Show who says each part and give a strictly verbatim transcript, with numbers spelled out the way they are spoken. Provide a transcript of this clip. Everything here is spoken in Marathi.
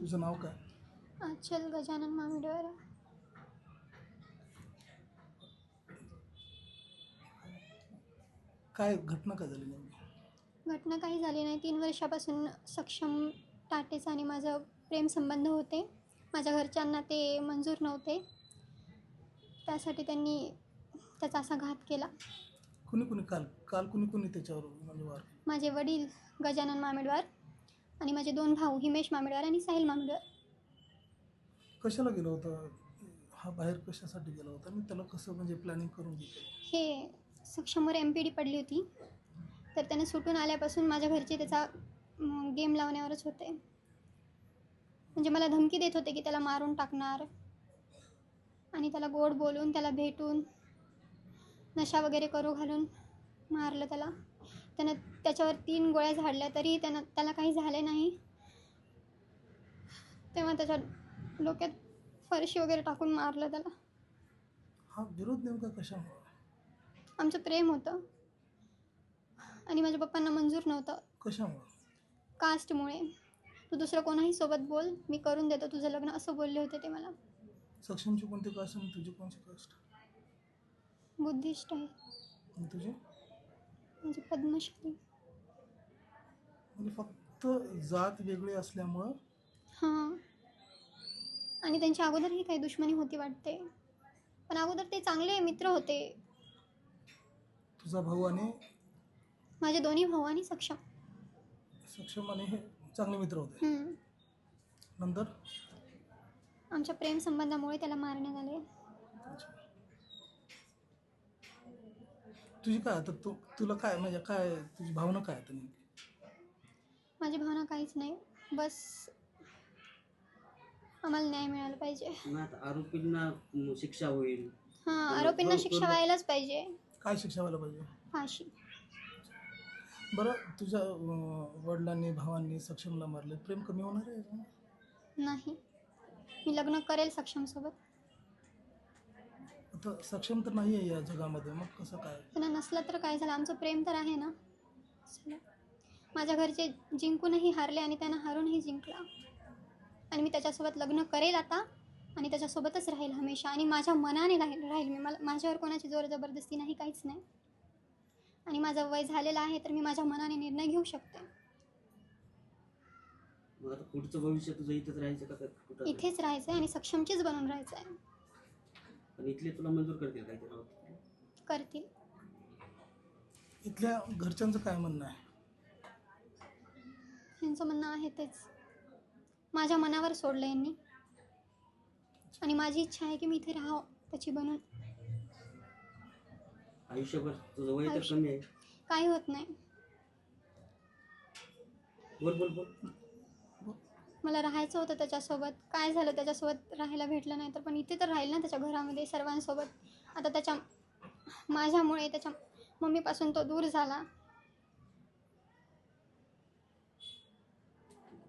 Speaker 1: तुझं नाव काय?
Speaker 2: आचल गजानन मामिडवार.
Speaker 1: काय घटना काय झाली नेमकी?
Speaker 2: घटना काही झाली नाही. तीन वर्षापासून सक्षम टाटेचा आणि माझं प्रेमसंबंध होते. माझ्या घरच्यांना ते मंजूर नव्हते. त्यासाठी त्यांनी त्याचा असा घात केला.
Speaker 1: कुणी कुणी काल काल कुणी कुणी त्याच्यावर म्हणजे वार केला?
Speaker 2: माझे वडील गजानन मामिडवार आणि माझे दोन भाऊ हिमेश मामिडवार आणि साहिल मामिडवार.
Speaker 1: कशाला गेला होता हा बाहेर, कशासाठी गेला होता आणि त्याला कसं म्हणजे प्लॅनिंग करून घेतलं?
Speaker 2: हे सक्षमवर एम पी डी पडली होती, तर त्याने सुटून आल्यापासून माझ्या घरचे त्याचा गेम लावण्यावरच होते. म्हणजे मला धमकी देत होते की त्याला मारून टाकणार आणि त्याला गोड बोलून त्याला भेटून नशा वगैरे करू घालून मारलं त्याला. त्यानं त्याच्यावर तीन गोळ्या झाडल्या तरी त्यानं त्याला काही झाले नाही. तेव्हा त्याच्या डोक्यात फरशी वगैरे टाकून मारलं त्याला.
Speaker 1: हा विरोध नेमका कशामुळे?
Speaker 2: आमचं प्रेम होतं आणि माझ्या पप्पांना मंजूर नव्हतं.
Speaker 1: कशामुळे?
Speaker 2: कास्टमुळे. तू दुसरं कोणाही सोबत बोल, मी करून देतो तुझं लग्न, असं बोलले होते ते मला.
Speaker 1: सक्षमची कोणती कास्ट आणि तुझी कोणती कास्ट?
Speaker 2: बुद्धिस्ट आहे.
Speaker 1: आणि तुझी?
Speaker 2: म्हणजे पद्मश्री.
Speaker 1: म्हणजे फक्त जात वेगळी असल्यामुळं?
Speaker 2: हां. आणि त्यांच्या अगोदरही काही दुश्मनी होती वाटते, पण अगोदर ते चांगले मित्र होते.
Speaker 1: तुझा भाऊ आणि
Speaker 2: माझे दोन्ही भाऊ आणि सक्षम
Speaker 1: सक्षम आणि हे चांगले मित्र होते.
Speaker 2: हम्म.
Speaker 1: नंतर
Speaker 2: आमच्या प्रेम संबंधामुळे त्याला मारण्यात आले.
Speaker 1: तुझी काय आता तू तुला काय म्हणजे काय तुझी भावना काय आता नेमकी?
Speaker 2: माझी भावना काहीच नाही, बस आम्हाला न्याय मिळाला पाहिजे.
Speaker 3: आरोपींना शिक्षा होईल.
Speaker 2: हां, आरोपींना शिक्षा व्हायलाच पाहिजे.
Speaker 1: काय शिक्षा व्हायला पाहिजे?
Speaker 2: फाशी.
Speaker 1: बरं, तुझ्या अं, वडिलांनी भावांनी सक्षमला मारले, प्रेम कमी होणार आहे?
Speaker 2: नाही, मी लग्न करेल सक्षमसोबत.
Speaker 1: आता सक्षम तर नाही आहे या जगामध्ये, मग कसं काय?
Speaker 2: त्यांना नसलं तर काय झालं, आमचं प्रेम तर आहे ना. चला. माझ्या घरचे जिंकूनही हारले आणि त्यांना हारूनही जिंकला. आणि मी त्याच्यासोबत लग्न करेल आता आणि त्याच्यासोबतच राहील हमेशा. आणि माझ्या मनाने राहील राहील मी. मला माझ्यावर कोणाची जोर जबरदस्ती नाही, काहीच नाही. आणि माझं वय झालेलं आहे तर मी माझ्या मनाने निर्णय घेऊ शकते.
Speaker 3: मग आता पुढचं भविष्य तुझं इथेच राहायचं का कुठं?
Speaker 2: इथेच राहायचं आहे आणि सक्षमचीच बनून राहायचं आहे.
Speaker 3: पण इथले तुला मंजूर करतील काय ते?
Speaker 2: करतील.
Speaker 1: इथल्या घरच्यांचं काय म्हणणं आहे?
Speaker 2: यांचं म्हणणं आहे तेच. माझ्या मनावर सोडलं यांनी आणि माझी इच्छा आहे की मी इथे राहावं त्याची बनून.
Speaker 3: आयुष्यभर तुझं वय तर
Speaker 2: आयुष्य-
Speaker 3: कमी आहे.
Speaker 2: काही होत नाही.
Speaker 3: बोल बोल बोल.
Speaker 2: मला राहायचं होतं त्याच्यासोबत. काय झालं, त्याच्यासोबत राहायला भेटलं नाही तर, पण इथे तर राहील ना त्याच्या घरामध्ये सर्वांसोबत. आता त्याच्या माझ्यामुळे त्याच्या मम्मीपासून तो दूर झाला.